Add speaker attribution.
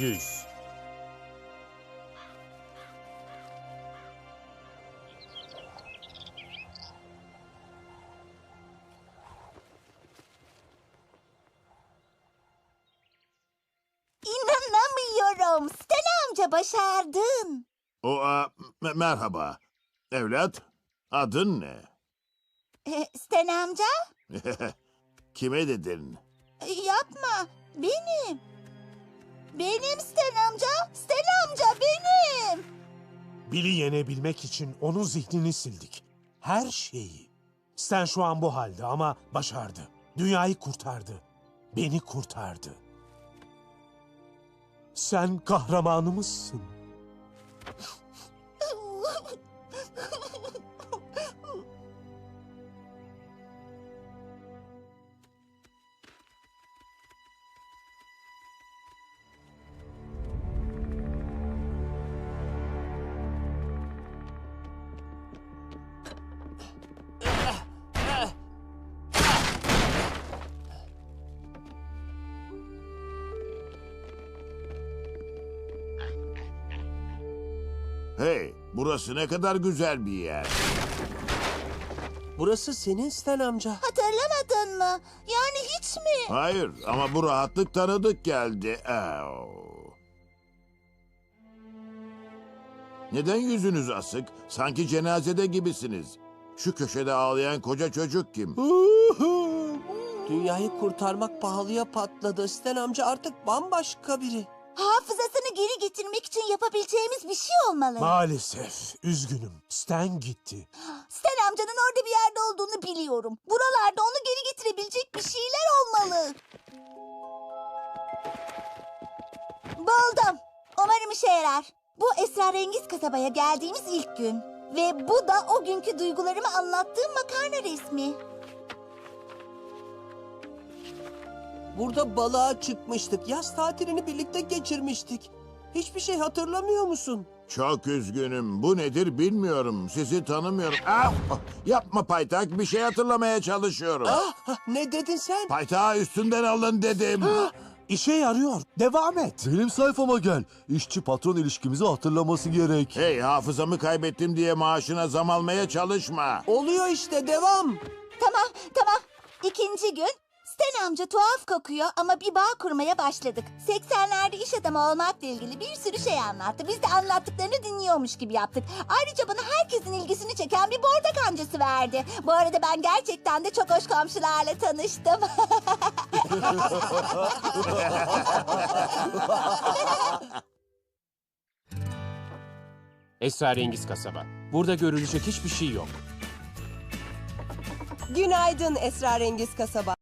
Speaker 1: 100.
Speaker 2: İnanamıyorum. Stella amca başardın.
Speaker 3: Merhaba. Evlat, adın ne?
Speaker 2: Stella amca?
Speaker 3: Kime dedin?
Speaker 2: Yapma. Benim. Benim Stella amca. Stella amca benim.
Speaker 1: Bill'i yenebilmek için onun zihnini sildik. Her şeyi. Stan şu an bu halde ama başardı. Dünyayı kurtardı. Beni kurtardı. Sen kahramanımızsın.
Speaker 3: Hey, burası ne kadar güzel bir yer.
Speaker 4: Burası senin Stan amca.
Speaker 2: Hatırlamadın mı? Yani hiç mi?
Speaker 3: Hayır, ama bu rahatlık tanıdık geldi. Neden yüzünüz asık? Sanki cenazede gibisiniz. Şu köşede ağlayan koca çocuk kim?
Speaker 4: Dünyayı kurtarmak pahalıya patladı. Stan amca artık bambaşka biri.
Speaker 2: Hafızasını geri getirmek için yapabileceğimiz bir şey olmalı.
Speaker 1: Maalesef. Üzgünüm. Stan gitti.
Speaker 2: Stella amcanın orada bir yerde olduğunu biliyorum. Buralarda onu geri getirebilecek bir şeyler olmalı. Buldum. Umarım işe yarar. Bu esrarengiz kasabaya geldiğimiz ilk gün. Ve bu da o günkü duygularımı anlattığım makarna resmi.
Speaker 4: Burada balığa çıkmıştık. Yaz tatilini birlikte geçirmiştik. Hiçbir şey hatırlamıyor musun?
Speaker 3: Çok üzgünüm. Bu nedir bilmiyorum. Sizi tanımıyorum. Yapma paytak. Bir şey hatırlamaya çalışıyorum.
Speaker 4: Ne dedin sen?
Speaker 3: Paytağı üstünden alın dedim.
Speaker 1: İşe yarıyor. Devam et.
Speaker 5: Benim sayfama gel. İşçi patron ilişkimizi hatırlaması gerek.
Speaker 3: Hey, hafızamı kaybettim diye maaşına zam almaya çalışma.
Speaker 4: Oluyor işte, devam.
Speaker 2: Tamam. İkinci gün. Stan amca tuhaf kokuyor ama bir bağ kurmaya başladık. 80'lerde iş adamı olmakla ilgili bir sürü şey anlattı. Biz de anlattıklarını dinliyormuş gibi yaptık. Ayrıca bana herkesin ilgisini çeken bir borda kancası verdi. Bu arada ben gerçekten de çok hoş komşularla tanıştım.
Speaker 6: Esrarengiz kasaba. Burada görülecek hiçbir şey yok.
Speaker 7: Günaydın esrarengiz kasaba.